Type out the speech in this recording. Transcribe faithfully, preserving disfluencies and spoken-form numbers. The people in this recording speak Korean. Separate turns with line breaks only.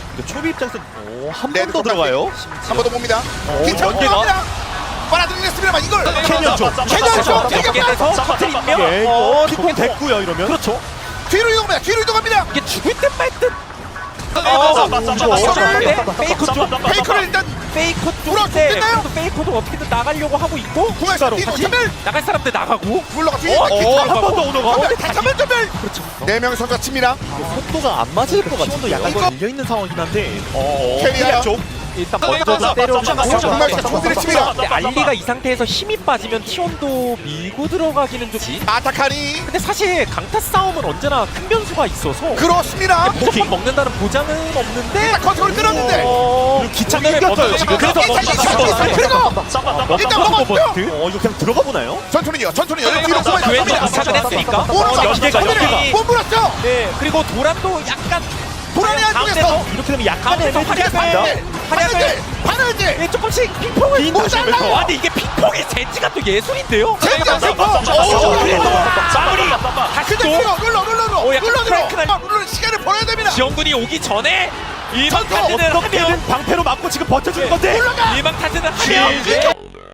초비 입장에서 한
네,
번 더 들어가요.
한 번 더 봅니다. 기차
연계가?
올라옵니다. 빨아들이겠습니다만 이걸
캐년 쪽.
캐년 쪽
연계돼서 커튼 인명.
예,
어,
킥공 됐고요 이러면.
그렇죠.
뒤로 이동합니다. 뒤로 이동합니다.
이게 죽을 듯말듯.
어,
페이커 쪽.
페이커를 일단
페이커
물어
쪽인데
죽겠나요?
그래도 페이커도 어떻게든 나가려고 하고 있고
궁합에서 뒤로
다시
전멸
나갈 사람들 나가고
물러가 뒤에
어,
기차
한 번 더 오너가.
전멸 다시 한번 전멸.
그렇죠.
네 명의 선수가 칩니다.
속도가 안 맞을 것 같아요. 도 약간
이거-
밀려 있는 상황이긴 한데.
캐리어요.
쪽.
일단 먼저 때려주고
정말 총들이 칩니다.
근데 알리가 이 상태에서 힘이 빠지면 티온도 밀고 들어가기는 좀
아타카니
근데 사실 강타 싸움은 언제나 큰 변수가 있어서
그렇습니다.
무조건 먹는다는 보장은 없는데
일단 컨트롤 끌었는데
어...
기차가
오늘의
이겼어요,
먼저
지금.
그래서
일단
먼저
이겼어요.
잡았어요.
그리고 일단 먹었고요.
어 이거 그냥 들어가 보나요?
전투는요. 전투는 뒤로
그
구만
왼쪽 기차가 됐으니까
오른쪽
연계가 연계가
못 물었죠.
네 그리고 도란도 약간
도란이 안쪽에서
가운데서
이렇게 되면 약간
가운데서
애매해지겠습니다.
활약을 활약을
바늘질
예, 조금씩 핑퐁을
빈 다시
아
한번
근데 이게 핑퐁의 젠지가 또 예술인데요?
젠지가 핑퐁!
오, 그래도 마무리! 다시
근데
또
눌러 눌러 눌러 눌러
오, 약간
눌러 눌러
크랭크 날-
눌러 시간을 벌어야 됩니다.
지원군이 오기 전에 일방
전투
타진을 하면
어떻게든 방패로 맞고 지금 버텨주는 건데.
올라가.
일방 타진을 하면
지-